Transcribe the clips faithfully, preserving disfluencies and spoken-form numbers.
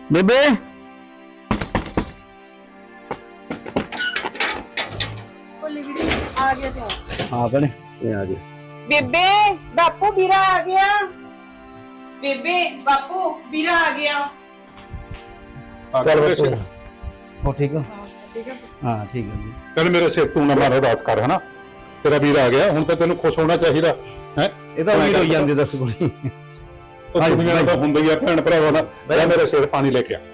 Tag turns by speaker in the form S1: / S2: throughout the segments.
S1: ਬੇਬੇ
S2: ਆ ਗਿਆ ਤੇ
S1: ਹਾਂ ਭੈਣੇ ਇਹ ਆ ਗਏ।
S2: ਬੇਬੇ ਬਾਪੂ ਵੀਰਾ ਆ ਗਿਆ। ਬੇਬੇ ਬਾਪੂ ਵੀਰਾ ਆ ਗਿਆ।
S1: ਚੱਲ ਬੱਚੇ ਹੋ ਠੀਕ ਹੋ?
S2: ਠੀਕ ਹੈ
S1: ਹਾਂ ਠੀਕ ਹੈ ਜੀ।
S3: ਚੱਲ ਮੇਰੇ ਸਿਰ ਤੂੰ ਨਾ ਮਾਰੋ ਦਾਸ ਕਰ ਹਨਾ, ਤੇਰਾ ਵੀਰ ਆ ਗਿਆ, ਹੁਣ ਤਾਂ ਤੈਨੂੰ ਖੁਸ਼ ਹੋਣਾ ਚਾਹੀਦਾ ਹੈ।
S1: ਇਹ ਤਾਂ ਵੀਰ ਹੋਈ ਜਾਂਦੇ ਦੱਸ ਕੋਈ
S3: ਉਹ ਕੁੜੀਆਂ ਤਾਂ ਹੁੰਦਾ ਹੀ ਆ ਭੈਣ ਭਰਾਵਾਂ ਦਾ। ਲੈ ਮੇਰੇ ਸਿਰ ਪਾਣੀ ਲੈ ਕੇ ਆ।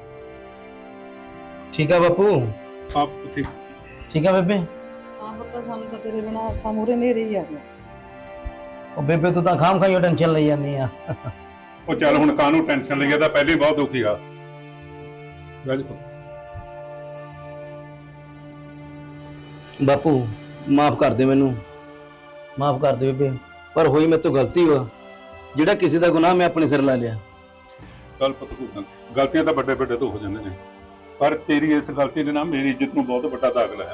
S1: ਠੀਕ ਆ ਬਾਪੂ?
S3: ਆਪ ਠੀਕ
S1: ਠੀਕ ਆ ਬੇਬੇ?
S2: ਹਾਂ ਪਤਾ ਸਾਨੂੰ ਤਾਂ ਤੇਰੇ ਬਿਨਾ ਅੱਖਾਂ ਮੂਰੇ ਨੇਰੇ ਹੀ ਆ ਗਿਆ।
S1: ਉਹ ਬੇਬੇ ਤੂੰ ਤਾਂ ਖਾਮ ਖਾਈਓ ਟੈਨਸ਼ਨ ਲਈ ਜਾਂਦੀ ਆ।
S3: ਉਹ ਚੱਲ ਹੁਣ ਕਾਹਨੂੰ ਟੈਨਸ਼ਨ ਲਈਆ, ਤਾਂ ਪਹਿਲੇ ਹੀ ਬਹੁਤ ਦੁਖੀ ਆ। ਗੱਲ
S1: ਬਾਪੂ ਮਾਫ ਕਰ ਦੇ ਮੈਨੂੰ, ਮਾਫ ਕਰ ਦੇ ਬੇਬੇ, ਪਰ ਹੋਈ ਮੇਰੇ ਤੋਂ ਗਲਤੀ ਵਾ। ਜਿਹੜਾ ਕਿਸੇ ਦਾ ਗੁਨਾਹ ਮੈਂ ਆਪਣੇ ਸਿਰ ਲਾ ਲਿਆ।
S3: ਗੱਲ ਪਤ ਗਲਤੀਆਂ ਤਾਂ ਵੱਡੇ ਵੱਡੇ ਤੋਂ ਹੋ ਜਾਂਦੇ ਨੇ, ਪਰ ਤੇਰੀ ਇਸ ਗਲਤੀ ਨੇ ਨਾ ਮੇਰੀ ਇੱਜ਼ਤ ਨੂੰ ਬਹੁਤ ਵੱਡਾ ਦਾਗ ਲਾਇਆ।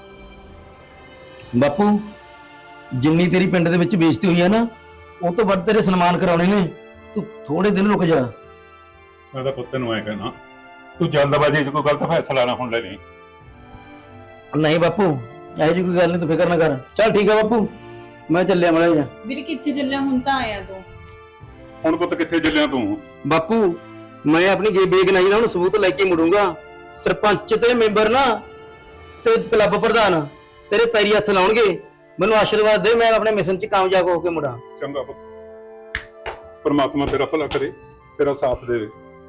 S1: ਬਾਪੂ ਜਿੰਨੀ ਤੇਰੀ ਪਿੰਡ ਦੇ ਵਿੱਚ ਬੇਇੱਜ਼ਤੀ ਹੋਈ ਆ ਨਾ, ਉਹ ਤੋਂ ਵੱਧ ਤੇਰੇ ਸਨਮਾਨ ਕਰਾਉਣੇ ਨੇ। ਤੂੰ ਥੋੜੇ ਦਿਨ ਰੁਕ ਜਾ।
S3: ਮੈਂ ਤਾਂ ਪੁੱਤ ਨੂੰ ਐ ਕਹਿਣਾ, ਤੂੰ ਜਲਦਬਾਜ਼ੀ 'ਚ ਕੋਈ ਗਲਤ ਫੈਸਲਾ ਨਾ ਹੁਣ ਲੈ ਲਈ।
S1: ਨਹੀਂ ਬਾਪੂ ਇਹੋ ਜਿਹੀ ਕੋਈ ਗੱਲ ਨਹੀਂ, ਤੂੰ ਫਿਕਰ ਨਾ ਕਰ। ਚੱਲ ਠੀਕ ਆ ਬਾਪੂ, ਮੈਂ ਚੱਲਿਆ ਮੜਾ ਜਾ।
S2: ਵੀਰ ਕਿੱਥੇ ਚੱਲਿਆ? ਹੁਣ ਤਾਂ ਆਇਆ ਤੂੰ।
S3: ਹੁਣ ਪੁੱਤ ਕਿੱਥੇ ਚੱਲਿਆ ਤੂੰ?
S1: ਬਾਪੂ ਮੈਂ ਆਪਣੀ ਜੇ ਬੇਗਨਾਹੀ ਦਾ ਹੁਣ ਸਬੂਤ ਲੈ ਕੇ ਮੁੜੂੰਗਾ। ਸਰਪੰਚ ਤੇ ਮੈਂਬਰ ਨਾ ਤੇ ਕਲੱਬ ਪ੍ਰਧਾਨ ਤੇਰੇ ਪੈਰੀ ਹੱਥ ਲਾਉਣਗੇ। ਮੈਨੂੰ ਆਸ਼ੀਰਵਾਦ ਦੇ, ਮੈਂ ਆਪਣੇ ਮਿਸ਼ਨ 'ਚ ਕਾਮਯਾਬ ਹੋ ਕੇ ਮੁੜਾਂ।
S3: ਚੰਗਾ ਪੁੱਤ, ਪਰਮਾਤਮਾ ਤੇਰਾ ਭਲਾ ਕਰੇ, ਤੇਰਾ ਸਾਥ ਦੇਵੇ।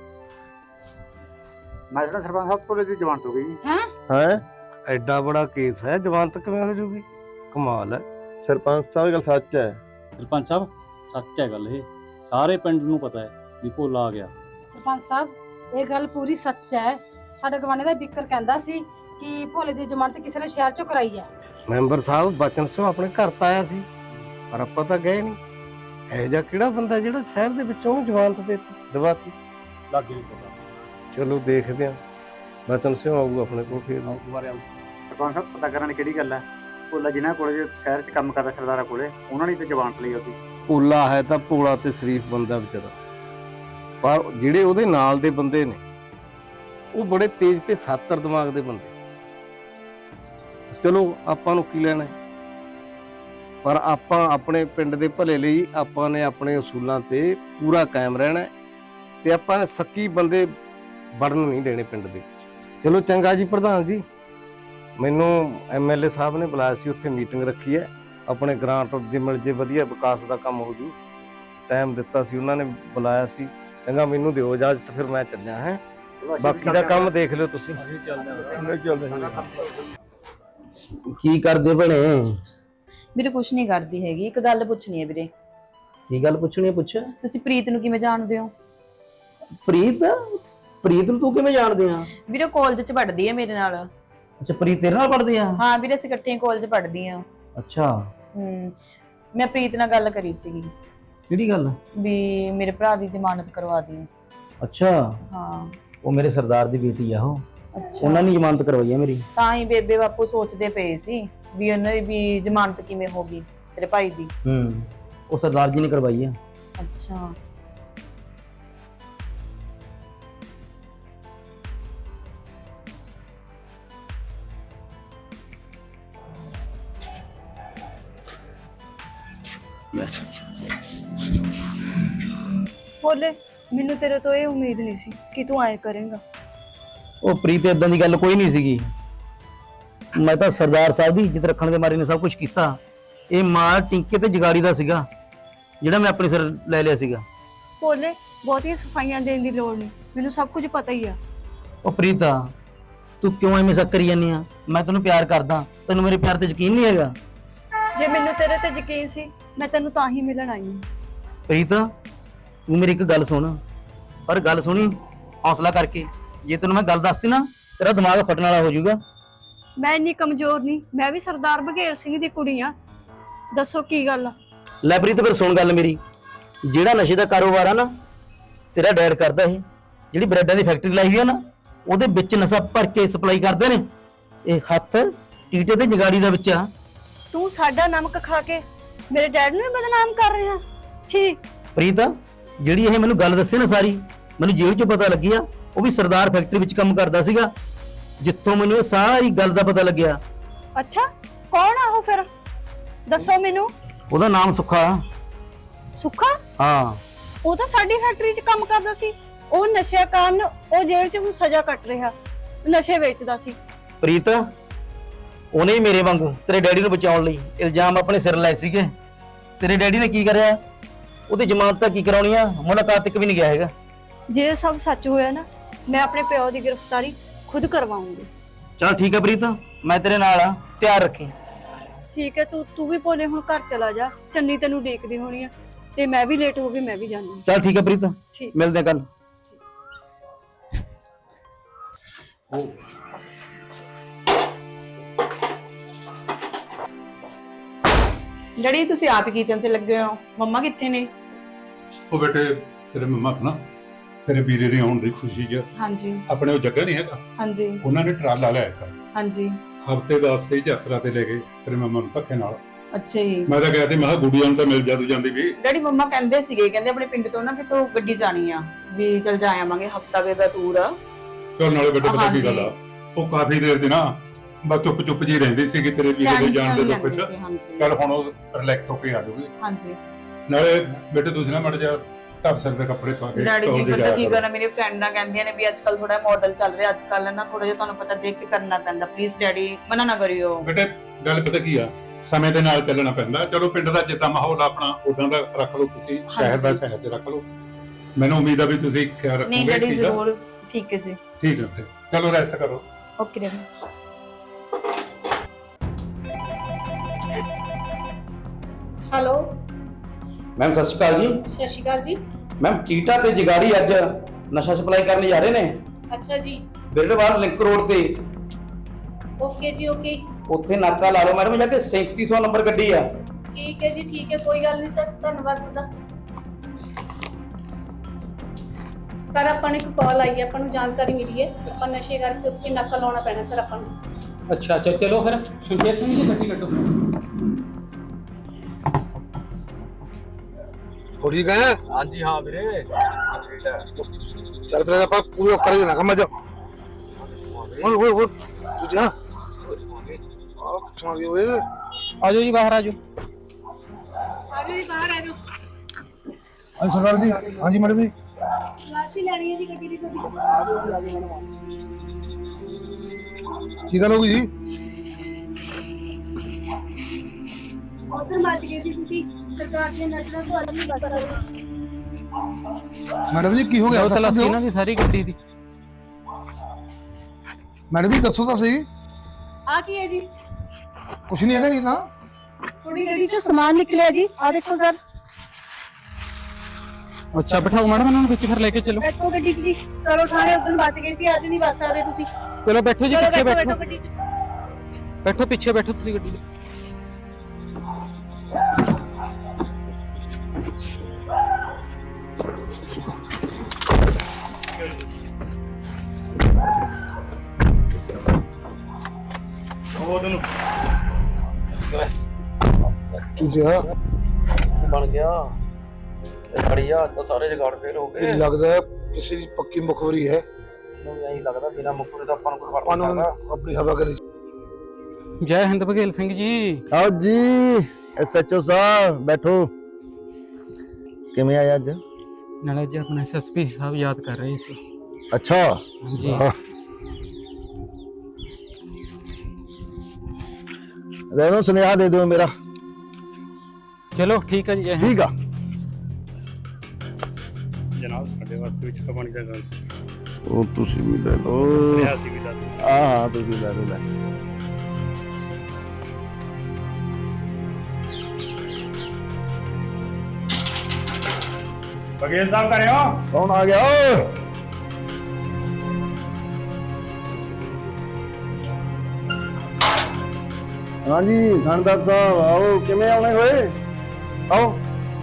S4: ਮੈਂ ਜਿਹੜਾ ਸਰਪੰਚ ਸਾਹਿਬ ਕੋਲੇ ਦੀ ਜ਼ਮਾਨਤ ਹੋ ਗਈ ਜੀ।
S2: ਹਾਂ
S5: ਹੈ ਐਡਾ ਬੜਾ ਕੇਸ ਹੈ, ਜ਼ਮਾਨਤ ਕਿਵੇਂ ਹੋ ਜੂਗੀ? ਕਮਾਲ ਹੈ।
S6: ਸਰਪੰਚ ਸਾਹਿਬ ਗੱਲ ਸੱਚ ਹੈ।
S7: ਸਰਪੰਚ ਸਾਹਿਬ ਸੱਚ ਹੈ ਗੱਲ, ਇਹ ਸਾਰੇ ਪਿੰਡ ਨੂੰ ਪਤਾ ਹੈ ਵੀ ਭੋਲਾ ਆ ਗਿਆ।
S8: ਸਰਪੰਚ ਸਾਹਿਬ ਇਹ ਗੱਲ ਪੂਰੀ ਸੱਚ ਹੈ। ਸਾਡੇ ਗਵਾਂਢੀ ਦਾ ਬਿੱਕਰ ਕਹਿੰਦਾ ਸੀ ਕਿ ਭੋਲੇ ਦੀ ਜ਼ਮਾਨਤ ਕਿਸੇ ਨੇ ਸ਼ਹਿਰ ਚੋਂ ਕਰਾਈ ਹੈ।
S5: ਮੈਂਬਰ ਸਾਹਿਬ ਬਚਨ ਸਿੰਘ ਆਪਣੇ ਘਰ ਤਾਂ ਆਇਆ ਸੀ, ਪਰ ਆਪਾਂ ਤਾਂ ਗਏ ਨਹੀਂ। ਇਹ ਜਿਹਾ ਕਿਹੜਾ ਬੰਦਾ ਜਿਹੜਾ ਸ਼ਹਿਰ ਦੇ ਵਿੱਚੋਂ ਉਹਨੂੰ ਜ਼ਮਾਨਤ ਦੇ ਦਵਾਤੀ?
S7: ਲੱਗ ਨਹੀਂ ਪਤਾ।
S5: ਚਲੋ ਦੇਖਦੇ ਹਾਂ, ਬਚਨ ਸਿੰਘ ਆਊਗਾ ਆਪਣੇ ਕੋਲ ਫਿਰ।
S4: ਸਰਪੰਚ ਸਾਹਿਬ ਪਤਾ ਕਰਨ ਕਿਹੜੀ ਗੱਲ ਹੈ? ਭੋਲਾ ਜਿਨ੍ਹਾਂ ਕੋਲੇ ਜੇ ਸ਼ਹਿਰ 'ਚ ਕੰਮ ਕਰਦਾ ਸਰਦਾਰਾਂ ਕੋਲੇ, ਉਹਨਾਂ ਨੇ ਤੇ ਜ਼ਮਾਨਤ ਲਈ ਉਹਦੀ।
S5: ਭੋਲਾ ਹੈ ਤਾਂ ਭੋਲਾ ਤੇ ਸ਼ਰੀਫ ਬੰਦਾ ਵਿਚਾਰਾ, ਪਰ ਜਿਹੜੇ ਉਹਦੇ ਨਾਲ ਦੇ ਬੰਦੇ ਨੇ ਉਹ ਬੜੇ ਤੇਜ਼ ਤੇ ਸਾਤਰ ਦਿਮਾਗ ਦੇ ਬੰਦੇ। ਚਲੋ ਆਪਾਂ ਨੂੰ ਕੀ ਲੈਣਾ, ਪਰ ਆਪਾਂ ਆਪਣੇ ਪਿੰਡ ਦੇ ਭਲੇ ਲਈ ਆਪਾਂ ਨੇ ਆਪਣੇ ਅਸੂਲਾਂ ਤੇ ਪੂਰਾ ਕਾਇਮ ਰਹਿਣਾ ਤੇ ਆਪਾਂ ਨੇ ਸੱਕੀ ਬੰਦੇ ਵੜਨ ਨਹੀਂ ਦੇਣੇ ਪਿੰਡ ਦੇ ਵਿੱਚ। ਚਲੋ ਚੰਗਾ ਜੀ ਪ੍ਰਧਾਨ ਜੀ, ਮੈਨੂੰ ਐਮਐਲਏ ਸਾਹਿਬ ਨੇ ਬੁਲਾਇਆ ਸੀ, ਉੱਥੇ ਮੀਟਿੰਗ ਰੱਖੀ ਹੈ। ਆਪਣੇ ਗ੍ਰਾਂਟ ਜੇ ਮਿਲ ਜੇ ਵਧੀਆ ਵਿਕਾਸ ਦਾ ਕੰਮ ਹੋ ਜੂ। ਟਾਈਮ ਦਿੱਤਾ ਸੀ ਉਹਨਾਂ ਨੇ, ਬੁਲਾਇਆ ਸੀ। ਚੰਗਾ ਮੈਨੂੰ ਦਿਓ ਇਜਾਜ਼ਤ, ਫਿਰ ਮੈਂ ਚੱਲਿਆ। ਹੈ ਬਾਕੀ ਦਾ ਕੰਮ ਦੇਖ ਲਿਓ ਤੁਸੀਂ।
S1: ਕੀ ਕਰਦੇ ਭਣੇ?
S2: ਵੀਰੇ ਕੁਛ ਨਹੀਂ ਕਰਦੀ ਹੈਗੀ। ਇੱਕ ਗੱਲ ਪੁੱਛਣੀ ਹੈ ਵੀਰੇ।
S1: ਕੀ ਗੱਲ ਪੁੱਛਣੀ ਹੈ? ਪੁੱਛ।
S2: ਤੁਸੀਂ ਪ੍ਰੀਤ ਨੂੰ ਕਿਵੇਂ ਜਾਣਦੇ ਹੋ?
S1: ਪ੍ਰੀਤ? ਪ੍ਰੀਤ ਨੂੰ ਤੂੰ ਕਿਵੇਂ ਜਾਣਦੇ ਆ?
S2: ਵੀਰੇ ਕਾਲਜ 'ਚ ਪੜ੍ਹਦੀ ਹੈ ਮੇਰੇ ਨਾਲ।
S1: ਅੱਛਾ ਪ੍ਰੀਤ ਤੇਰੇ ਨਾਲ ਪੜ੍ਹਦੀ ਆ?
S2: ਹਾਂ ਵੀਰੇ ਅਸੀਂ ਇਕੱਠੇ ਕਾਲਜ ਪੜ੍ਹਦੀ ਆ।
S1: ਅੱਛਾ
S2: ਹੂੰ ਮੈਂ ਪ੍ਰੀਤ ਨਾਲ ਗੱਲ ਕਰੀ ਸੀਗੀ
S1: ਕਿਹੜੀ ਗੱਲ?
S2: ਵੀ ਮੇਰੇ ਭਰਾ ਦੀ ਜ਼ਮਾਨਤ ਕਰਵਾ ਦੀ।
S1: ਅੱਛਾ
S2: ਹਾਂ
S1: ਉਹ ਮੇਰੇ ਸਰਦਾਰ ਦੀ ਬੇਟੀ ਆ, ਉਹ
S2: ਅੱਛਾ
S1: ਉਹਨਾਂ ਨੇ ਜ਼ਮਾਨਤ ਕਰਵਾਈ ਹੈ ਮੇਰੀ।
S2: ਤਾਂ ਹੀ ਬੇਬੇ ਬਾਪੂ ਸੋਚਦੇ ਪਏ ਸੀ ਵੀ ਉਹਨਾਂ ਦੀ ਵੀ ਜ਼ਮਾਨਤ ਕਿਵੇਂ ਹੋ ਗਈ ਤੇਰੇ ਭਾਈ ਦੀ।
S1: ਹੂੰ ਉਹ ਸਰਦਾਰ ਜੀ ਨੇ ਕਰਵਾਈ ਆ।
S2: ਅੱਛਾ
S9: ਬੋਲੇ ਮੈਨੂੰ ਤੇਰੇ ਤੋਂ ਇਹ ਉਮੀਦ ਨਹੀਂ ਸੀ ਕਿ ਤੂੰ ਆਏ ਕਰੇਂਗਾ।
S1: ਉਹ ਪ੍ਰੀਤ ਇਦਾਂ ਦੀ ਗੱਲ ਕੋਈ ਨਹੀਂ ਸੀਗੀ। ਮੈਂ ਤਾਂ ਸਰਦਾਰ ਸਾਹਿਬ ਦੀ ਇੱਜ਼ਤ ਰੱਖਣ ਦੇ ਮਾਰੇ ਨੇ ਸਭ ਕੁਝ ਕੀਤਾ। ਇਹ ਮਾਲ ਟਿੰਕੇ ਤੇ ਜਗਾੜੀ ਦਾ ਸੀਗਾ ਜਿਹੜਾ ਮੈਂ ਆਪਣੇ ਸਿਰ ਲੈ ਲਿਆ ਸੀਗਾ।
S9: ਬੋਲੇ ਬਹੁਤੀਆਂ ਸਫਾਈਆਂ ਦੇਣ ਦੀ ਲੋੜ ਨਹੀਂ, ਮੈਨੂੰ ਸਭ ਕੁਝ ਪਤਾ ਹੀ ਆ।
S1: ਉਹ ਪ੍ਰੀਤਾ ਤੂੰ ਕਿਉਂ ਐਵੇਂ ਸ਼ੱਕ ਕਰੀ ਜਾਂਦੀ ਆ? ਮੈਂ ਤੈਨੂੰ ਪਿਆਰ ਕਰਦਾ, ਤੈਨੂੰ ਮੇਰੇ ਪਿਆਰ ਤੇ ਯਕੀਨ ਨਹੀਂ ਹੈਗਾ?
S9: ਜੇ ਮੈਨੂੰ ਤੇਰੇ ਤੇ ਯਕੀਨ ਸੀ ਮੈਂ ਤੈਨੂੰ ਤਾਂ ਹੀ ਮਿਲਣ ਆਈ ਹਾਂ।
S1: ਪ੍ਰੀਤਾ ਤੂੰ ਮੇਰੀ ਇੱਕ ਗੱਲ ਸੁਣ, ਪਰ ਗੱਲ ਸੁਣੀ ਹੌਸਲਾ ਕਰਕੇ। ਜੇ ਤੈਨੂੰ ਮੈਂ ਗੱਲ ਦੱਸਤੀ ਨਾ ਤੇਰਾ ਦਿਮਾਗ ਫਟਣ ਵਾਲਾ ਹੋ ਜਾਊਗਾ।
S9: ਮੈਂ ਇੰਨੀ ਕਮਜ਼ੋਰ ਨਹੀਂ, ਮੈਂ ਵੀ ਸਰਦਾਰ ਬਘੇਲ ਸਿੰਘ ਦੀ ਕੁੜੀ ਆ। ਦੱਸੋ ਕੀ ਗੱਲ ਆ?
S1: ਲੈ ਪ੍ਰੀਤ ਫਿਰ ਸੁਣ ਗੱਲ ਮੇਰੀ। ਜਿਹੜਾ ਨਸ਼ੇ ਦਾ ਕਾਰੋਬਾਰ ਆ ਨਾ ਤੇਰਾ ਡੈਡ ਕਰਦਾ, ਇਹ ਜਿਹੜੀ ਬ੍ਰੈਡਾਂ ਦੀ ਫੈਕਟਰੀ ਲਾਈ ਹੋਈ ਆ ਨਾ ਉਹਦੇ ਵਿੱਚ ਨਸ਼ਾ ਭਰ ਕੇ ਸਪਲਾਈ ਕਰਦੇ ਨੇ। ਇਹ ਹੱਥ ਟੀਟੇ ਤੇ ਜਗਾੜੀ ਦਾ ਵਿੱਚ ਆ।
S9: ਤੂੰ ਸਾਡਾ ਨਮਕ ਖਾ ਕੇ ਮੇਰੇ ਡੈਡ ਨੂੰ ਬਦਨਾਮ ਕਰ ਰਿਹਾ। ਛੀ
S1: ਪ੍ਰੀਤ ਜਿਹੜੀ ਇਹ ਮੈਨੂੰ ਗੱਲ ਦੱਸੇ ਨਾ ਸਾਰੀ, ਮੈਨੂੰ ਜੇਲ੍ਹ 'ਚੋਂ ਪਤਾ ਲੱਗਿਆ ਉਹ ਵੀ ਸਰਦਾਰ ਫੈਕਟਰੀ ਵਿੱਚ ਕੰਮ ਕਰਦਾ ਸੀਗਾ, ਜਿੱਥੋਂ ਮੈਨੂੰ ਇਹ ਸਾਰੀ ਗੱਲ ਦਾ ਪਤਾ ਲੱਗਿਆ।
S9: ਅੱਛਾ, ਕੌਣ ਆ ਉਹ ਫਿਰ? ਦੱਸੋ ਮੈਨੂੰ।
S1: ਉਹਦਾ ਨਾਮ ਸੁੱਖਾ।
S9: ਸੁੱਖਾ?
S1: ਹਾਂ।
S9: ਉਹ ਤਾਂ ਸਾਡੀ ਫੈਕਟਰੀ 'ਚ ਕੰਮ ਕਰਦਾ ਸੀ। ਉਹ ਨਸ਼ੇ ਕਾਰਨ ਉਹ ਜੇਲ੍ਹ 'ਚ ਹੁਣ ਸਜ਼ਾ ਕੱਟ ਰਿਹਾ, ਨਸ਼ੇ ਵੇਚਦਾ ਸੀ।
S1: ਪ੍ਰੀਤ, ਉਹਨੇ ਹੀ ਮੇਰੇ ਵਾਂਗੂ ਤੇਰੇ ਡੈਡੀ ਨੂੰ ਬਚਾਉਣ ਲਈ ਇਲਜ਼ਾਮ ਆਪਣੇ ਸਿਰ ਲਾਏ ਸੀਗੇ। ਤੇਰੇ ਡੈਡੀ ਨੇ ਕੀ ਕਰਿਆ? ਉਹਦੀ ਜ਼ਮਾਨਤ ਤਾਂ ਕੀ ਕਰਾਉਣੀ ਆ, ਮੁਲਾਕਾਤ ਤੱਕ ਵੀ ਨਹੀਂ ਗਿਆ ਹੈਗਾ।
S9: ਜੇ ਇਹ ਸਭ ਸੱਚ ਹੋਇਆ ਨਾ, ਮੈਂ ਆਪਣੇ ਪਿਓ ਦੀ ਗ੍ਰਿਫਤਾਰੀ ਖੁਦ ਕਰਵਾਉਂਗੀ।
S1: ਚਲ ਠੀਕ ਹੈ ਪ੍ਰੀਤ, ਮੈਂ ਤੇਰੇ ਨਾਲ ਆ, ਧਿਆਨ ਰੱਖੀ।
S9: ਠੀਕ ਹੈ, ਤੂੰ ਤੂੰ ਵੀ ਭੋਲੇ ਹੁਣ ਘਰ ਚਲਾ ਜਾ। ਚੰਨੀ ਤੈਨੂੰ ਦੇਖਦੀ ਹੋਣੀ ਆ, ਤੇ ਮੈਂ ਵੀ ਲੇਟ ਹੋ ਗਈ, ਮੈਂ ਵੀ ਜਾਣੀ।
S1: ਚਲ ਠੀਕ ਹੈ ਪ੍ਰੀਤ,
S9: ਠੀਕ।
S1: ਮਿਲਦੇ ਹਾਂ ਕੱਲ।
S2: ਡੈਡੀ ਤੁਸੀਂ ਆਪ ਕਿਚਨ 'ਚ ਲੱਗੇ ਹੋ, ਮੰਮਾ ਕਿੱਥੇ ਨੇ?
S3: ਉਹ ਬੇਟੇ ਤੇਰੇ ਮੰਮਾ ਨਾ ਤੇਰੇ ਵੀਰੇ ਦੇ ਆਉਣ ਦੀ ਖੁਸ਼ੀ 'ਚ
S2: ਹਾਂਜੀ
S3: ਆਪਣੇ ਉਹ ਜੱਗਾ ਨਹੀਂ ਹੈਗਾ,
S2: ਹਾਂਜੀ
S3: ਉਹਨਾਂ ਨੇ ਟਰਾਲਾ ਲਿਆ ਇੱਕ
S2: ਹਾਂਜੀ।
S3: ਹਫ਼ਤੇ ਵਾਸਤੇ ਯਾਤਰਾ ਤੇ ਲੈ ਗਏ ਤੇਰੇ ਮੰਮਾ ਨੂੰ ਧੱਕੇ ਨਾਲ।
S2: ਅੱਛਾ ਜੀ।
S3: ਮੈਂ ਤਾਂ ਗਿਆ ਤੇ ਮੈਂ ਕਿਹਾ ਗੁੜੀਆਂ ਨੂੰ ਤਾਂ ਮਿਲ ਜਾ ਤੂੰ ਜਾਂਦੀ ਵੀ।
S2: ਡੈਡੀ ਮੰਮਾ ਕਹਿੰਦੇ ਸੀਗੇ, ਕਹਿੰਦੇ ਆਪਣੇ ਪਿੰਡ ਤੋਂ ਨਾ ਕਿਥੋਂ ਗੱਡੀ ਜਾਣੀ ਆ, ਵੀ ਚਲ ਜਾ ਆਵਾਂਗੇ, ਹਫਤਾ ਵੇ ਦਾ ਟੂਰ ਆ।
S3: ਚਲ ਨਾਲੇ ਬੇਟੇ ਪਤਾ ਕੀ ਗੱਲ ਆ, ਉਹ ਕਾਫੀ ਦੇਰ ਦੀ ਨਾ ਬਸ ਚੁੱਪ ਚੁੱਪ ਜੀ ਰਹਿੰਦੀ ਸੀਗੀ ਤੇਰੇ ਵੀਰੇ ਦੇ ਜਾਣ ਦੇ ਦੁੱਖ 'ਚ।
S2: ਹਾਂਜੀ
S3: ਚਲ ਹੁਣ ਉਹ ਰਿਲੈਕਸ ਹੋ ਕੇ ਆ ਜਾਊਗੀ।
S2: ਹਾਂਜੀ।
S3: ਨਾਲੇ ਬੇਟੇ ਤੁਸੀਂ ਨਾ ਮੜ ਜਾ ਢੱਬ ਸਿਰ ਦੇ ਕੱਪੜੇ ਪਾ ਕੇ
S2: ਡੈਡੀ ਜੀ
S3: ਟੌਰ 'ਤੇ
S2: ਪਤਾ
S3: ਜਾਇਆ
S2: ਕੀ
S3: ਕਰੋ।
S2: ਕਰਨਾ, ਮੇਰੇ ਫਰੈਂਡ ਨਾਲ ਕਹਿੰਦੀਆਂ ਨੇ ਵੀ ਅੱਜ ਕੱਲ ਥੋੜਾ ਮਾਡਲ ਚੱਲ ਰਿਹਾ, ਅੱਜ ਕੱਲ ਨਾ ਥੋੜਾ ਜਿਹਾ ਤੁਹਾਨੂੰ ਪਤਾ ਦੇਖ ਕੇ ਕਰਨਾ ਪੈਂਦਾ। ਪਲੀਜ਼ ਡੈਡੀ ਮਨਾ ਨਾ ਕਰਿਓ।
S3: ਬੇਟੇ ਗੱਲ ਪਤਾ ਕੀ ਆ, ਸਮੇਂ ਦੇ ਨਾਲ ਚੱਲਣਾ ਪੈਂਦਾ। ਚਲੋ ਪਿੰਡ ਦਾ ਜਿੱਦਾਂ ਮਾਹੌਲ ਆ ਆਪਣਾ ਉਦਾਂ ਦਾ ਰੱਖ ਲਓ, ਤੁਸੀਂ ਸ਼ਹਿਰ ਦਾ ਸ਼ਹਿਰ ਤੇ ਰੱਖ ਲਓ। ਮੈਨੂੰ ਉਮੀਦ ਆ ਵੀ ਤੁਸੀਂ ਖਿਆਲ ਰੱਖੋਗੇ।
S2: ਨਹੀਂ ਡੈਡੀ
S3: ਠੀਕ ਆ?
S2: ਜ਼ਰੂਰ। ਠੀਕ ਹੈ ਜੀ।
S3: ਠੀਕ ਹੈ ਤੇ ਚਲੋ ਰੈਸਟ ਕਰੋ।
S2: Okay daddy.
S8: ਹੈਲੋ,
S1: ਮੈਮ ਸਤਿ ਸ਼੍ਰੀ ਅਕਾਲ ਜੀ।
S8: ਸਤਿ ਸ਼੍ਰੀ ਅਕਾਲ ਜੀ।
S1: ਮੈਮ ਟੀਟਾ ਤੇ ਜਗਾੜੀ ਅੱਜ ਨਸ਼ਾ ਸਪਲਾਈ ਕਰਨ ਜਾ ਰਹੇ ਨੇ
S8: ਅੱਛਾ ਜੀ।
S1: ਬਿਰਡਵਾਲ ਲਿੰਕ ਰੋਡ ਤੇ।
S8: ਓਕੇ ਜੀ ਓਕੇ।
S1: ਉੱਥੇ ਨਾਕਾ ਲਾ ਲਓ ਮੈਡਮ, ਜਾ ਕੇ ਸੈਂਤੀ ਸੌ ਨੰਬਰ ਗੱਡੀ ਆ।
S8: ਠੀਕ ਹੈ ਜੀ ਠੀਕ ਹੈ, ਕੋਈ ਗੱਲ ਨਹੀਂ ਸਰ, ਧੰਨਵਾਦ ਤੁਹਾਡਾ। ਸਰ ਆਪਾਂ ਨੂੰ ਇੱਕ ਕਾਲ ਆਈ ਹੈ, ਆਪਾਂ ਨੂੰ ਜਾਣਕਾਰੀ ਮਿਲੀ ਹੈ, ਆਪਾਂ ਨਸ਼ੇ ਕਰਕੇ ਉੱਥੇ ਨਾਕਾ ਲਾਉਣਾ ਪੈਣਾ ਸਰ ਆਪਾਂ ਨੂੰ।
S7: ਅੱਛਾ ਅੱਛਾ, ਚਲੋ ਫਿਰ ਸੁਖਦੇਵ ਸਿੰਘ ਜੀ ਗੱਡੀ ਕੱਢੋ।
S6: ਹੋੜੀ ਗਏ?
S5: ਹਾਂਜੀ ਹਾਂ ਵੀਰੇ।
S6: ਚੱਲ ਫਿਰ ਆਪਾਂ ਪੂਰਾ ਕਰ ਦੇਣਾ ਕੰਮ ਅੱਜ। ਓਏ ਓਏ ਓਏ ਤੂੰ ਜਾ ਆ ਚਾ ਗਏ ਓਏ।
S7: ਆਜੋ ਜੀ ਬਾਹਰ ਆਜੋ।
S8: ਆਜੋ ਜੀ ਬਾਹਰ ਆਜੋ।
S6: ਹਾਂ ਸਰਦਾਰ ਜੀ। ਹਾਂਜੀ ਮੈਡਮ ਜੀ।
S8: ਲਾਸ਼ੀ ਲੈਣੀ ਹੈ ਜੀ ਗੱਡੀ ਦੀ ਤੁਹਾਡੀ।
S6: ਕੀ ਗੱਲ ਹੋ ਗਈ ਜੀ?
S8: ਉਧਰ ਮੱਚ ਗਏ ਸੀ ਤੁਸੀਂ, ਸਰਕਾਰ ਦੇ ਨਜ਼ਰਾਂ ਤੋਂ ਅੱਜ ਨਹੀਂ ਬਚ ਸਕਦੇ।
S6: ਮੈਡਮ ਜੀ ਕੀ ਹੋ ਗਿਆ? ਦੱਸੋ
S7: ਇਹਨਾਂ ਦੀ ਸਾਰੀ ਗੱਡੀ ਦੀ।
S6: ਮੈਡਮ ਜੀ ਦੱਸੋ ਤਾਂ ਸਹੀ।
S8: ਆ ਕੀ ਹੈ ਜੀ?
S6: ਕੁਛ ਨਹੀਂ ਹੈਗਾ ਜੀ ਤਾਂ।
S8: ਥੋੜੀ ਗੱਡੀ ਚੋਂ ਸਮਾਨ ਨਿਕਲਿਆ ਜੀ, ਆ ਦੇਖੋ ਸਰ।
S7: ਅੱਛਾ ਬਿਠਾਓ ਮੈਡਮ ਇਹਨਾਂ ਨੂੰ ਵਿੱਚ, ਫਿਰ ਲੈ ਕੇ ਚਲੋ।
S8: ਬੈਠੋ ਗੱਡੀ 'ਚ ਜੀ। ਚਲੋ ਥਾਣੇ ਉਦੋਂ ਬਚ ਗਏ ਸੀ, ਅੱਜ ਨਹੀਂ ਬਚ ਸਕਦੇ ਤੁਸੀਂ।
S7: ਚਲੋ ਬੈਠੋ ਜੀ,
S8: ਚਲੋ
S7: ਪਿੱਛੇ
S8: ਬੈਠੋ ਬੈਠੋ
S7: ਬੈਠੋ।
S8: ਗੱਡੀ 'ਚ।
S7: ਬੈਠੋ ਪਿੱਛੇ ਬੈਠੋ ਤੁਸੀਂ ਗੱਡੀ ਦੇ।
S6: ਤੂੰ ਜਾ।
S1: ਬਣ ਗਿਆ ਬੜੀਆ, ਤਾਂ ਸਾਰੇ ਜਗਾੜ ਫੇਲ ਹੋ ਗਏ।
S6: ਇਹ ਲੱਗਦਾ ਹੈ ਕਿਸੇ ਦੀ ਪੱਕੀ ਮੁਖਬਰੀ ਹੈ।
S1: ਮੈਨੂੰ ਐਂ ਲੱਗਦਾ ਬਿਨਾ ਮੁਕਰੇ ਤਾਂ ਆਪਾਂ ਨੂੰ ਕੋਈ
S6: ਆਪਾਂ ਨੂੰ ਆਪਣੀ ਹਵਾ ਕਰੀ।
S7: ਜੈ ਹਿੰਦ ਬਘੇਲ ਸਿੰਘ ਜੀ।
S6: ਆਓ ਜੀ ਐਸਐਚਓ ਸਾਹਿਬ ਬੈਠੋ। ਕਿਵੇਂ ਆਇਆ ਅੱਜ?
S7: ਨਾਲੇ ਜੀ ਆਪਣੇ ਐਸਐਸਪੀ ਸਾਹਿਬ ਯਾਦ ਕਰ ਰਹੇ ਸੀ।
S6: ਅੱਛਾ
S7: ਹਾਂਜੀ।
S6: ਲੈ ਲਓ ਸੁਨੇਹਾ ਦੇ ਦਿਓ ਮੇਰਾ।
S7: ਚਲੋ ਠੀਕ ਹੈ ਜੀ, ਜੈ ਹਿੰਦ।
S6: ਠੀਕ ਆ
S5: ਜਨਾਬ ਸਾਡੇ ਵਾਸਤੇ ਵਿੱਚ ਕਮਾਣੀ ਦਾ ਗੱਲ।
S6: ਉਹ ਤੁਸੀਂ ਵੀ ਲੈ ਲਓ।
S5: ਰਿਆਸੀ ਵੀ ਦੱਸ।
S6: ਹਾਂ ਹਾਂ ਤੁਸੀਂ ਲੈ ਲਓ ਲੈ।
S5: ਬਘੇਲ ਸਾਹਿਬ ਕਰਿਓ।
S6: ਕੌਣ ਆ ਗਿਆ ਓਏ? ਹਾਂਜੀ ਥਾਣੇਦਾਰ ਸਾਹਿਬ ਆਓ। ਕਿਵੇਂ ਆਉਣੇ ਹੋਏ? ਆਓ।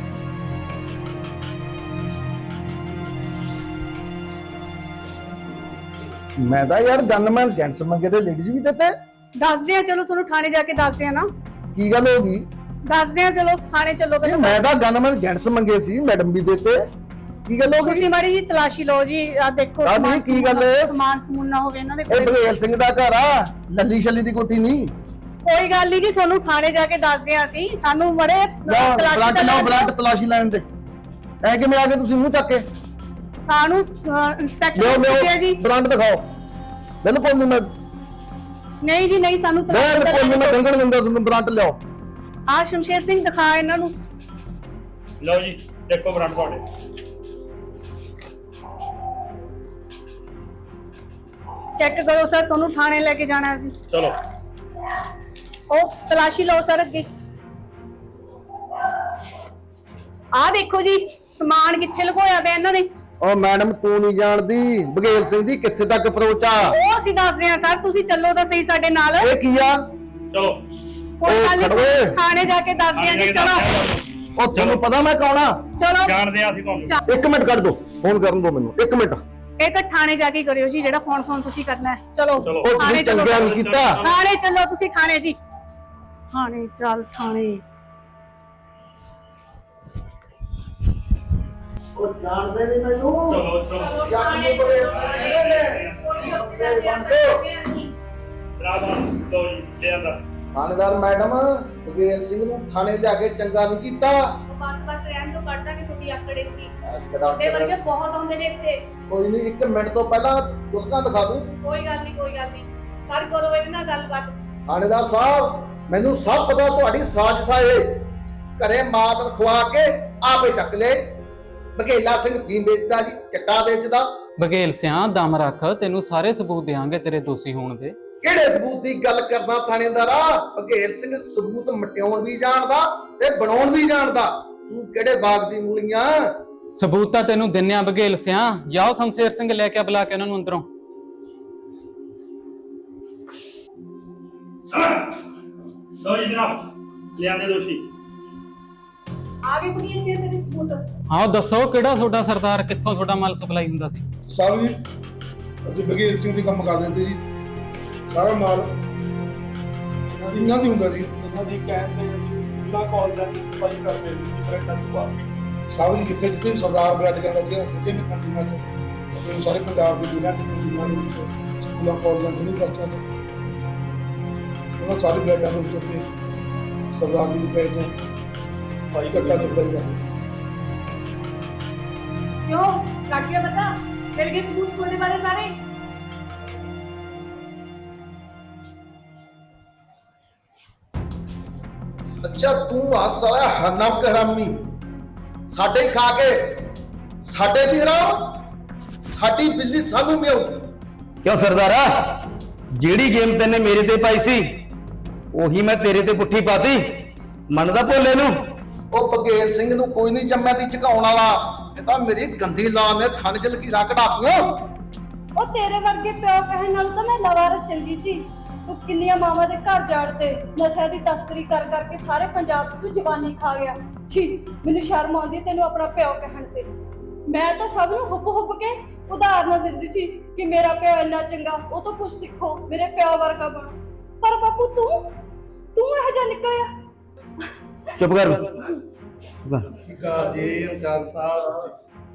S6: ਮੈਂ ਤਾਂ ਯਾਰ ਗਨਮੈਨ ਜੈਂਟਸ ਮੰਗੇ ਤੇ ਲੇਡੀਜ਼ ਵੀ ਦਿੱਤੇ।
S8: ਦੱਸਦੇ ਆ, ਚਲੋ ਤੁਹਾਨੂੰ ਥਾਣੇ ਜਾ ਕੇ ਦੱਸਦੇ ਆ ਨਾ।
S6: ਕੀ ਗੱਲ ਹੋ ਗਈ?
S8: ਦੱਸਦੇ ਆ, ਚਲੋ ਥਾਣੇ ਚੱਲੋ
S6: ਇਹ
S8: ਪਹਿਲਾਂ।
S6: ਮੈਂ ਤਾਂ ਗਨਮੈਨ ਜੈਂਟਸ ਮੰਗੇ ਸੀ, ਮੈਡਮ ਵੀ ਦਿੱਤੇ। ਕੀ ਗੱਲ ਹੋ ਗਈ
S9: ਤੁਸੀਂ ਮਾੜੀ ਜੀ ਤਲਾਸ਼ੀ ਲਓ ਜੀ, ਆ ਦੇਖੋ
S6: ਦਾਦੀ,
S9: ਸਮਾਨ
S6: ਕੀ ਗੱਲ ਹੈ?
S9: ਸਮਾਨ ਸਮੂਨ ਨਾ ਹੋਵੇ ਇਹਨਾਂ ਦੇ
S6: ਇਹ
S9: ਕੋਲ।
S6: ਬਘੇਲ ਸਿੰਘ ਦਾ ਘਰ ਆ, ਲੱਲੀ ਛੱਲੀ ਦੀ ਕੋਠੀ ਨਹੀਂ।
S9: ਕੋਈ ਗੱਲ ਨਹੀਂ ਜੀ, ਤੁਹਾਨੂੰ ਥਾਣੇ ਜਾ ਕੇ ਦੱਸਦੇ ਆ ਅਸੀਂ। ਸਾਨੂੰ ਮੜੇ
S6: ਲਓ ਬਲੱਡ ਲਓ, ਬਲੱਡ ਤਲਾਸ਼ੀ ਲੈਣ ਦੇ। ਐ ਕਿਵੇਂ ਆ ਗਏ ਤੁਸੀਂ ਮੂੰਹ ਚੱਕ ਕੇ?
S9: ਸਾਨੂੰ ਇੰਸਪੈਕਟਰ
S6: ਲਿਓ
S9: ਪੁੱਛਿਆ
S6: ਲਿਓ
S9: ਜੀ।
S6: ਬਲੱਡ ਦਿਖਾਓ। ਬਿਲਕੁਲ ਨਹੀਂ, ਮੈਂ
S9: ਨਹੀਂ ਜੀ ਨਹੀਂ, ਸਾਨੂੰ
S6: ਬਿਲਕੁਲ ਨਹੀਂ, ਮੈਂ ਡੰਗਣ ਦਿੰਦਾ ਤੁਹਾਨੂੰ। ਬਲੱਡ ਲਿਆਓ।
S9: ਆ ਸ਼ਮਸ਼ੇਰ ਸਿੰਘ ਦਿਖਾ ਇਹਨਾਂ ਨੂੰ।
S7: ਲਓ ਜੀ ਦੇਖੋ ਬ੍ਰਾਂਡ ਤੁਹਾਡੇ।
S9: ਚੈੱਕ ਕਰੋ ਸਰ, ਤੁਹਾਨੂੰ ਥਾਣੇ ਲੈ ਕੇ ਜਾਣਾ ਸੀ।
S7: ਚਲੋ
S9: ਉਹ ਤਲਾਸ਼ੀ ਲਓ ਸਰ ਅੱਗੇ। ਆ ਦੇਖੋ ਜੀ ਸਮਾਨ ਕਿੱਥੇ ਲੁਕੋਇਆ ਪਿਆ ਇਹਨਾਂ ਨੇ।
S6: ਓ ਮੈਡਮ ਤੂੰ ਨਹੀਂ ਜਾਣਦੀ ਬਘੇਲ ਸਿੰਘ ਦੀ ਕਿੱਥੇ ਤੱਕ ਅਪਰੋਚ ਆ।
S9: ਉਹ ਅਸੀਂ ਦੱਸਦੇ ਆ ਸਰ, ਤੁਸੀਂ ਚੱਲੋ ਤਾਂ ਸਹੀ ਸਾਡੇ ਨਾਲ।
S6: ਇਹ ਕੀ ਆ?
S7: ਚਲੋ
S9: ਕੋਈ
S6: ਉਹ
S9: ਗੱਲ
S6: ਖੜੋ
S9: ਨਹੀਂ,
S6: ਏ।
S9: ਥਾਣੇ ਜਾ ਕੇ ਦੱਸਦੇ ਆ ਜੀ। ਚਲੋ
S6: ਉਹ ਤੁਹਾਨੂੰ ਪਤਾ ਮੈਂ ਕੌਣ ਆ?
S9: ਚਲੋ
S7: ਜਾਣਦੇ ਆ ਅਸੀਂ ਤੁਹਾਨੂੰ।
S6: ਇੱਕ ਮਿੰਟ ਕੱਢ ਦੋ, ਫੋਨ ਕਰਨ ਦੋ ਮੈਨੂੰ ਇੱਕ ਮਿੰਟ।
S9: ਇਹ ਤਾਂ ਥਾਣੇ ਜਾ ਕੇ ਕਰਿਓ ਜੀ, ਜਿਹੜਾ ਫੋਨ ਫੋਨ ਤੁਸੀਂ ਕਰਨਾ ਹੈ। ਚਲੋ
S7: ਚਲੋ।
S6: ਉਹ
S9: ਥਾਣੇ
S6: ਤੁਸੀਂ
S9: ਚਲੋ,
S6: ਚੰਗਾ ਨਹੀਂ ਕੀਤਾ।
S9: ਥਾਣੇ ਚੱਲੋ ਤੁਸੀਂ, ਥਾਣੇ ਜੀ। ਥਾਣੇ ਚੱਲ ਥਾਣੇ।
S6: ਉਹ ਜਾਣਦੇ ਨਹੀਂ ਮੈਨੂੰ।
S7: ਚਲੋ ਚਲੋ
S6: ਜਾਣੀ ਬਘੇਲ ਸਿੰਘ ਕਹਿੰਦੇ ਨੇ।
S7: ਰਾਧਾ ਲਓ ਜੀ ਦੇ ਅੰਦਰ।
S6: ਥਾਣੇਦਾਰ ਮੈਡਮ ਬਘੇਲ ਸਿੰਘ ਨੂੰ ਥਾਣੇ ਜਾ ਕੇ ਚੰਗਾ ਨਹੀਂ ਕੀਤਾ।
S9: ਬਸ ਬਸ ਰਹਿਣ ਤੋਂ ਕੱਢਦਾ ਕਿ ਤੁਹਾਡੀ ਆਕੜੇ ਸੀ।
S6: ਤੇਰਾ-
S9: ਤੁਹਾਡੇ ਵਰਗੇ ਬਹੁਤ ਆਉਂਦੇ ਨੇ ਇੱਥੇ।
S6: ਕੋਈ ਨਹੀਂ, ਇੱਕ ਮਿੰਟ ਤੋਂ ਪਹਿਲਾਂ ਜੁਲਕਾਂ ਦਿਖਾ ਦੂੰ।
S9: ਕੋਈ ਗੱਲ ਨਹੀਂ, ਕੋਈ ਗੱਲ ਨਹੀਂ ਸਰ, ਕਰੋ ਇਹਦੇ ਨਾਲ ਗੱਲਬਾਤ।
S6: ਥਾਣੇਦਾਰ ਸਾਹਿਬ ਮੈਨੂੰ ਸਭ ਪਤਾ ਤੁਹਾਡੀ ਸਾਜ਼ਿਸ਼ ਆ। ਇਹ ਘਰੇ ਮਾਤ ਖਵਾ ਕੇ ਆਪੇ ਚੱਕ ਲੈ। ਬਘੇਲਾ ਸਿੰਘ ਫੀਮ ਵੇਚਦਾ ਜੀ, ਚਿੱਟਾ ਵੇਚਦਾ।
S10: ਬਘੇਲ ਸਿਆਂ ਦਮ ਰੱਖ, ਤੈਨੂੰ ਸਾਰੇ ਸਬੂਤ ਦੇਵਾਂਗੇ ਤੇਰੇ ਦੋਸ਼ੀ ਹੋਣ ਦੇ।
S6: ਕਿਹੜੇ ਸਬੂਤ ਦੀ ਗੱਲ ਕਰਨਾ ਥਾਣੇਦਾਰਾ? ਬਘੇਲ ਸਿੰਘ ਸਬੂਤ ਮਟਿਆਉਣ ਵੀ ਜਾਣਦਾ ਤੇ ਬਣਾਉਣ ਵੀ ਜਾਣਦਾ। ਤੂੰ ਕਿਹੜੇ ਬਾਗ ਦੀ ਮੂਲੀਆਂ?
S10: ਸਬੂਤ ਤਾਂ ਤੈਨੂੰ ਦਿੰਨੇ ਆ ਬਘੇਲ ਸਿਆਂ। ਜਾਓ ਸ਼ਮਸ਼ੇਰ ਸਿੰਘ ਲੈ ਕੇ ਬੁਲਾ ਕੇ ਉਹਨਾਂ ਨੂੰ ਅੰਦਰੋਂ।
S7: ਲਓ ਜੀ ਜਨਾਬ ਲਿਆਂਦੇ ਦੋਸ਼ੀ।
S9: ਆ ਗਈ ਪੁਲਿਸ ਇਹ ਤੇਰੀ ਸਬੂਤ।
S10: ਹਾਂ ਦੱਸੋ ਕਿਹੜਾ ਤੁਹਾਡਾ ਸਰਦਾਰ, ਕਿੱਥੋਂ ਤੁਹਾਡਾ ਮਾਲ ਸਪਲਾਈ ਹੁੰਦਾ ਸੀ?
S11: ਸਾਹਿਬ ਜੀ ਅਸੀਂ ਬਘੇਲ ਸਿੰਘ ਦੀ ਕੰਮ ਕਰਦੇ ਤੇ ਜੀ। ਸਾਰਾ ਮਾਲ ਇਹਨਾਂ ਦੀ ਹੁੰਦਾ ਜੀ। ਇਹਨਾਂ ਦੀ ਕਹਿਣ ਤੇ ਅਸੀਂ ਸਕੂਲਾਂ ਕਾਲਜਾਂ ਦੀ ਸਫਾਈ ਕਰਦੇ ਸੀ ਬ੍ਰੈਡਾਂ ਚ ਪਾ ਕੇ। ਸਾਹਿਬ ਜੀ ਜਿੱਥੇ ਜਿੱਥੇ ਵੀ ਸਰਦਾਰ ਬ੍ਰੈਡ ਜਾਂਦਾ ਸੀ ਜਿੱਥੇ ਵੀ ਕੰਟਰੀਆਂ ਚ ਅਤੇ ਸਾਰੇ ਪੰਜਾਬ ਦੇ ਜ਼ਿਲ੍ਹਿਆਂ ਚ ਕੰਟਰੀਆਂ ਦੇ ਵਿੱਚ ਸਕੂਲਾਂ ਕਾਲਜਾਂ ਯੂਨੀਵਰਸਿਟੀਆਂ ਚ ਉਹਨਾਂ ਸਾਰੇ ਬ੍ਰੈਡਾਂ ਦੇ ਵਿੱਚ ਅਸੀਂ ਸਰਦਾਰ ਦੀ ਪੈਜ ਸਫਾਈ ਕੱਟਾ ਚੁਪਾਈ ਕਰਦੇ ਸੀ।
S9: क्यों काट गया बता? मिल गए सबूत खोलने वाले सारे?
S6: ਅੱਛਾ ਤੂੰ ਆ ਸਾਲਾ ਹਰਨਾਮ ਹਰਾਮੀ ਸਾਡੇ ਖਾ ਕੇ ਸਾਡੇ ਦੀ ਹਰਾਮ ਸਾਡੀ ਬਿੱਲੀ ਸਾਨੂੰ ਮਿਆਉ।
S1: ਕਿਉਂ ਸਰਦਾਰਾ, ਜਿਹੜੀ ਗੇਮ ਤੈਨੇ ਮੇਰੇ ਤੇ ਪਾਈ ਸੀ ਉਹੀ ਮੈਂ ਤੇਰੇ ਤੇ ਪੁੱਠੀ ਪਾਤੀ। ਮੰਨਦਾ ਭੋਲੇ ਨੂੰ?
S6: ਉਹ ਬਘੇਲ ਸਿੰਘ ਨੂੰ ਕੋਈ ਨਹੀਂ ਜੰਮਿਆ ਦੀ ਝਕਾਉਣ ਵਾਲਾ। ਇਹ ਤਾਂ ਮੇਰੀ ਗੰਦੀ ਲਾਲ ਨੇ ਥਣ ਚ ਲਕੀਰਾਂ ਕਢਾਤੀਆਂ।
S9: ਉਹ ਤੇਰੇ ਵਰਗੇ ਪਿਓ ਕਹਿਣ ਨਾਲ ਤਾਂ ਮੈਂ ਲਵਾਰਸ ਚੰਗੀ ਸੀ। ਤੂੰ ਕਿੰਨੀਆਂ ਮਾਵਾਂ ਦੇ ਘਰ ਜਾੜਦੇ, ਨਸ਼ਾ ਦੀ ਤਸਕਰੀ ਕਰ ਕਰਕੇ ਸਾਰੇ ਪੰਜਾਬ ਤੋਂ ਜਵਾਨੀ ਖਾ ਗਿਆ। ਛੀ ਮੈਨੂੰ ਸ਼ਰਮ ਆਉਂਦੀ ਹੈ ਤੈਨੂੰ ਆਪਣਾ ਪਿਓ ਕਹਿਣ ਤੇ। ਮੈਂ ਤਾਂ ਸਭ ਨੂੰ ਹੁੱਬ ਹੁੱਬ ਕੇ ਉਦਾਹਰਨਾਂ ਦਿੰਦੀ ਸੀ ਕਿ ਮੇਰਾ ਪਿਓ ਇੰਨਾ ਚੰਗਾ, ਉਹ ਤੋਂ ਕੁਝ ਸਿੱਖੋ, ਮੇਰੇ ਪਿਓ ਵਰਗਾ ਬਣੋ। ਪਰ ਬਾਪੂ ਤੂੰ ਤੂੰ ਇਹੋ ਜਿਹਾ ਨਿਕਲਿਆ।
S1: ਚੁੱਪ ਕਰ।
S5: ਸਿਕਾਰ ਜੀ ਇੰਚਾਰਜ ਸਾਹਿਬ।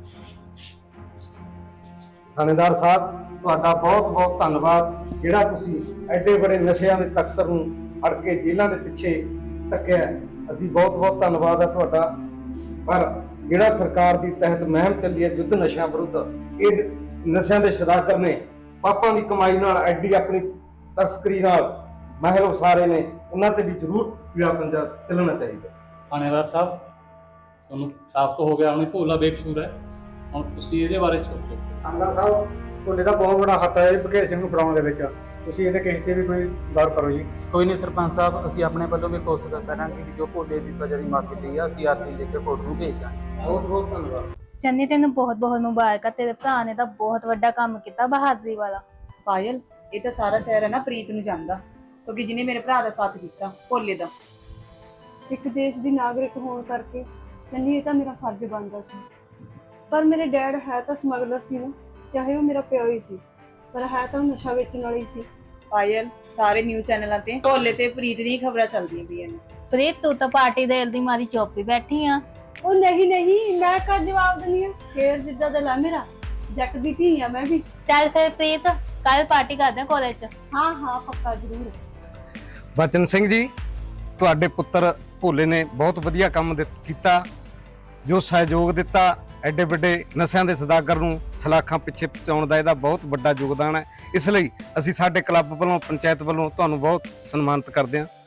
S5: ਥਾਣੇਦਾਰ ਸਾਹਿਬ ਤੁਹਾਡਾ ਬਹੁਤ ਬਹੁਤ ਧੰਨਵਾਦ, ਜਿਹੜਾ ਤੁਸੀਂ ਐਡੇ ਬੜੇ ਨਸ਼ਿਆਂ ਦੇ ਤਕਸਰ ਨੂੰ ਫੜ ਕੇ ਜੇਲ੍ਹਾਂ ਦੇ ਪਿੱਛੇ ਧੱਕਿਆ। ਅਸੀਂ ਬਹੁਤ ਬਹੁਤ ਧੰਨਵਾਦ ਹੈ ਤੁਹਾਡਾ। ਪਰ ਜਿਹੜਾ ਸਰਕਾਰ ਦੀ ਤਹਿਤ ਮੁਹਿੰਮ ਚੱਲੀ ਹੈ ਯੁੱਧ ਨਸ਼ਿਆਂ ਵਿਰੁੱਧ, ਇਹ ਨਸ਼ਿਆਂ ਦੇ ਸਦਾਗਰ ਨੇ ਪਾਪਾਂ ਦੀ ਕਮਾਈ ਨਾਲ ਐਡੀ ਆਪਣੀ ਤਸਕਰੀ ਨਾਲ ਮਾਹਿਰ ਉਸਾਰੇ ਨੇ, ਉਹਨਾਂ ਤੇ ਵੀ ਜ਼ਰੂਰ ਪੀੜਾ ਪੰਜਾ ਚੱਲਣਾ ਚਾਹੀਦਾ।
S7: ਥਾਣੇਦਾਰ ਸਾਹਿਬ ਤੁਹਾਨੂੰ ਸਾਬਤ ਹੋ ਗਿਆ ਉਹਨੇ ਭੋਲਾ ਬੇਕਸੂਰ ਹੈ। ਹੁਣ ਤੁਸੀਂ ਇਹਦੇ ਬਾਰੇ ਸੋਚੋ।
S4: ਥਾਣੇਦਾਰ ਸਾਹਿਬ ਭੋਲੇ ਦਾ ਬਹੁਤ ਬੜਾ ਹੱਥ ਹੈ ਬਘੇਲ ਸਿੰਘ ਨੂੰ ਫੜਾਉਣ ਦੇ ਵਿੱਚ। ਤੁਸੀਂ ਇਹਦੇ ਕੇਸ ਤੇ ਵੀ ਕੋਈ ਗੌਰ ਕਰੋ ਜੀ।
S10: ਕੋਈ ਨਹੀਂ ਸਰਪੰਚ ਸਾਹਿਬ, ਅਸੀਂ ਆਪਣੇ ਵੱਲੋਂ ਵੀ ਕੋਸ਼ਿਸ਼ ਕਰਾਂਗੇ ਕਿ ਜੋ ਭੋਲੇ ਦੀ ਸਜ਼ਾ ਦੀ ਮਾਫੀ ਲਈ ਆ ਅਸੀਂ ਆਰਟੀ ਲੈ ਕੇ ਕੋਰਟ ਨੂੰ ਭੇਜ ਦਾਂਗੇ।
S6: ਬਹੁਤ ਬਹੁਤ ਧੰਨਵਾਦ।
S12: ਚੰਨੀ ਤੈਨੂੰ ਬਹੁਤ ਬਹੁਤ ਮੁਬਾਰਕਾਂ, ਤੇਰੇ ਭਰਾ ਨੇ ਤਾਂ ਬਹੁਤ ਵੱਡਾ ਕੰਮ ਕੀਤਾ, ਬਹਾਦਰੀ ਵਾਲਾ।
S2: ਪਾਇਲ ਇਹ ਤਾਂ ਸਾਰਾ ਸ਼ਹਿਰ ਹੈ ਨਾ ਪ੍ਰੀਤ ਨੂੰ ਜਾਣਦਾ, ਕਿਉਂਕਿ ਜਿਹਨੇ ਮੇਰੇ ਭਰਾ ਦਾ ਸਾਥ ਦਿੱਤਾ ਭੋਲੇ ਦਾ।
S9: ਇੱਕ ਦੇਸ਼ ਦੀ ਨਾਗਰਿਕ ਹੋਣ ਕਰਕੇ ਚੰਨੀ ਇਹ ਤਾਂ ਮੇਰਾ ਫਰਜ਼ ਬਣਦਾ ਸੀ। ਪਰ ਮੇਰੇ ਡੈਡ ਹੈ ਤਾਂ ਸਮਗਲਰ ਸੀ ਨਾ, ਚਾਹੇ ਉਹ ਮੇਰਾ ਪਿਓ ਹੀ ਸੀ, ਪਰ ਹੈ ਤਾਂ ਨਸ਼ਾ ਵੇਚਣ ਵਾਲੀ ਸੀ।
S2: ਪਾਇਲ ਸਾਰੇ ਨਿਊਜ਼ ਚੈਨਲਾਂ ਤੇ ਭੋਲੇ ਤੇ ਪ੍ਰੀਤ ਦੀਆਂ ਖਬਰਾਂ ਚੱਲਦੀਆਂ ਪਈਆਂ ਨੇ।
S12: ਪ੍ਰੀਤ ਤੂੰ ਤਾਂ ਪਾਰਟੀ ਦੇ ਦੀ ਮਾਰੀ ਚੁੱਪ ਹੀ ਬੈਠੀ ਆ।
S9: ਉਹ ਨਹੀਂ ਨਹੀਂ ਮੈਂ ਕਾ ਜਵਾਬ ਦਿੰਦੀ ਆ, ਸ਼ੇਰ ਜਿੱਦਾਂ ਦਾ ਲਾ ਮੇਰਾ, ਜੱਟ ਦੀ ਧੀ ਆ ਮੈਂ ਵੀ।
S12: ਚੱਲ ਫਿਰ ਪ੍ਰੀਤ ਕੱਲ ਪਾਰਟੀ ਕਰਦੇ ਆ ਕਾਲਜ 'ਚ।
S9: ਹਾਂ ਹਾਂ ਪੱਕਾ ਜ਼ਰੂਰ।
S5: ਬਚਨ ਸਿੰਘ ਜੀ, ਤੁਹਾਡੇ ਪੁੱਤਰ ਭੋਲੇ ਨੇ ਬਹੁਤ ਵਧੀਆ ਕੰਮ ਦਿੱਤ- ਕੀਤਾ, ਜੋ ਸਹਿਯੋਗ ਦਿੱਤਾ ਐਡੇ ਵੱਡੇ ਨਸ਼ਿਆਂ ਦੇ ਸੌਦਾਗਰ ਨੂੰ ਸਲਾਖਾਂ ਪਿੱਛੇ ਪਹੁੰਚਾਉਣ ਦਾ ਇਹਦਾ ਬਹੁਤ ਵੱਡਾ ਯੋਗਦਾਨ ਹੈ। ਇਸ ਲਈ ਅਸੀਂ ਸਾਡੇ ਕਲੱਬ ਵੱਲੋਂ, ਪੰਚਾਇਤ ਵੱਲੋਂ ਤੁਹਾਨੂੰ ਬਹੁਤ ਸਨਮਾਨਿਤ ਕਰਦੇ ਹਾਂ।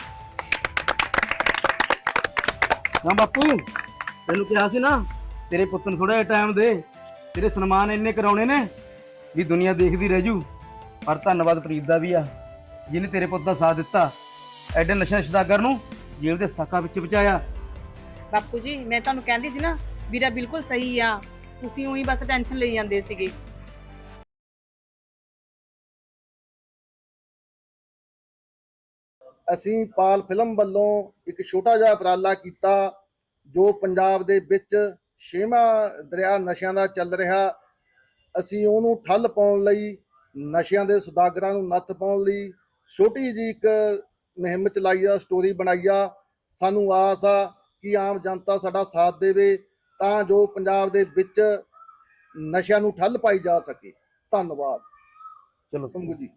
S1: ਹਾਂ ਬਾਪੂ, ਤੈਨੂੰ ਕਿਹਾ ਸੀ ਨਾ ਤੇਰੇ ਪੁੱਤ ਨੂੰ ਥੋੜਾ ਜਿਹਾ ਟਾਈਮ ਦੇ, ਤੇਰੇ ਸਨਮਾਨ ਇੰਨੇ ਕਰਾਉਣੇ ਨੇ ਵੀ ਦੁਨੀਆ ਦੇਖਦੀ ਰਹਿ ਜੂ। ਪਰ ਧੰਨਵਾਦ ਪ੍ਰੀਤ ਦਾ ਵੀ ਆ, ਜਿਹਨੇ ਤੇਰੇ ਪੁੱਤ ਦਾ ਸਾਥ ਦਿੱਤਾ, ਐਡੇ ਨਸ਼ਾ ਸੌਦਾਗਰ ਨੂੰ ਜੇਲ੍ਹ ਦੇ ਸਲਾਖਾਂ ਵਿੱਚ ਪਹੁੰਚਾਇਆ।
S2: ਬਾਪੂ ਜੀ ਮੈਂ ਤੁਹਾਨੂੰ ਕਹਿੰਦੀ ਸੀ ਨਾ ਵੀਰਾ ਬਿਲਕੁਲ ਸਹੀ ਆ, ਤੁਸੀਂ ਉਹੀ ਬਸ ਟੈਨਸ਼ਨ ਲਈ ਜਾਂਦੇ ਸੀਗੇ।
S6: ਅਸੀਂ ਪਾਲ ਫਿਲਮ ਵੱਲੋਂ ਇੱਕ ਛੋਟਾ ਜਿਹਾ ਉਪਰਾਲਾ ਕੀਤਾ, ਜੋ ਪੰਜਾਬ ਦੇ ਵਿੱਚ ਛੇਵਾਂ ਦਰਿਆ ਨਸ਼ਿਆਂ ਦਾ ਚੱਲ ਰਿਹਾ। ਅਸੀਂ ਉਹਨੂੰ ਠੱਲ ਪਾਉਣ ਲਈ, ਨਸ਼ਿਆਂ ਦੇ ਸੌਦਾਗਰਾਂ ਨੂੰ ਨੱਥ ਪਾਉਣ ਲਈ ਛੋਟੀ ਜਿਹੀ ਇੱਕ ਮੁਹਿੰਮ ਚਲਾਈ ਆ, ਸਟੋਰੀ ਬਣਾਈ ਆ। ਸਾਨੂੰ ਆਸ ਆ ਕਿ ਆਮ ਜਨਤਾ ਸਾਡਾ ਸਾਥ ਦੇਵੇ, ਤਾਂ ਜੋ ਪੰਜਾਬ ਦੇ ਵਿੱਚ ਨਸ਼ਿਆਂ ਨੂੰ ਠੱਲ ਪਾਈ ਜਾ ਸਕੇ। ਧੰਨਵਾਦ।
S1: ਚਲੋ
S6: ਪੰਗੂ ਜੀ।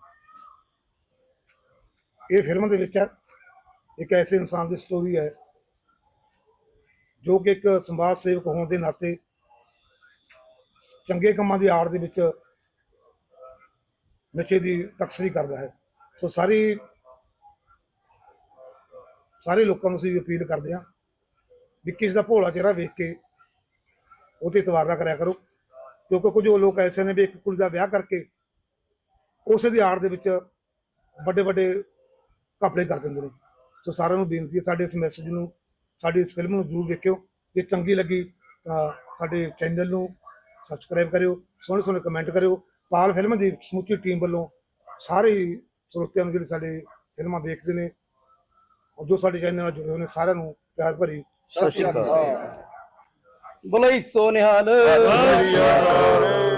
S11: ਇਹ ਫਿਲਮ ਦੇ ਵਿੱਚ ਇੱਕ ਐਸੇ ਇਨਸਾਨ ਦੀ ਸਟੋਰੀ ਹੈ ਜੋ ਕਿ ਇੱਕ ਸਮਾਜ ਸੇਵਕ ਹੋਣ ਦੇ ਨਾਤੇ ਚੰਗੇ ਕੰਮਾਂ ਦੀ ਆੜ ਦੇ ਵਿੱਚ ਨਸ਼ੇ ਦੀ ਤਸਕਰੀ ਕਰਦਾ ਹੈ। ਸੋ ਸਾਰੀ ਸਾਰੇ ਲੋਕਾਂ ਨੂੰ ਅਸੀਂ ਅਪੀਲ ਕਰਦੇ ਹਾਂ ਵੀ ਕਿਸੇ ਦਾ ਭੋਲਾ ਚਿਹਰਾ ਵੇਖ ਕੇ ਉਹਤੇ ਇਤਬਾਰ ਨਾ ਕਰਿਆ ਕਰੋ, ਕਿਉਂਕਿ ਕੁਝ ਲੋਕ ਐਸੇ ਨੇ ਵੀ ਇੱਕ ਕੁੜੀ ਦਾ ਵਿਆਹ ਕਰਕੇ ਉਸੇ ਦੀ ਆੜ ਦੇ ਵਿੱਚ ਵੱਡੇ ਵੱਡੇ ਘਪਲੇ ਕਰ ਦਿੰਦੇ ਨੇ। ਸੋ ਸਾਰਿਆਂ ਨੂੰ ਬੇਨਤੀ ਹੈ, ਸਾਡੇ ਇਸ ਮੈਸੇਜ ਨੂੰ, ਸਾਡੀ ਇਸ ਫਿਲਮ ਨੂੰ ਜ਼ਰੂਰ ਵੇਖਿਓ। ਜੇ ਚੰਗੀ ਲੱਗੀ ਤਾਂ ਸਾਡੇ ਚੈਨਲ ਨੂੰ ਸਬਸਕ੍ਰਾਈਬ ਕਰਿਓ, ਸੋਹਣੇ ਸੋਹਣੇ ਕਮੈਂਟ ਕਰਿਓ। ਪਾਲ ਫਿਲਮ ਦੀ ਸਮੁੱਚੀ ਟੀਮ ਵੱਲੋਂ ਸਾਰੇ ਸਰੋਤਿਆਂ ਨੂੰ ਜਿਹੜੇ ਸਾਡੇ ਫਿਲਮਾਂ ਦੇਖਦੇ ਨੇ, ਜੋ ਸਾਡੇ ਚੈਨਲ ਨਾਲ ਜੁੜੇ ਹੋਏ ਨੇ, ਸਾਰਿਆਂ ਨੂੰ ਪਿਆਰ ਭਰੀ
S1: ਸਤਿ ਸ਼੍ਰੀ ਅਕਾਲ। ਬੋਲੇ ਸੋ ਨਿਹਾਲ।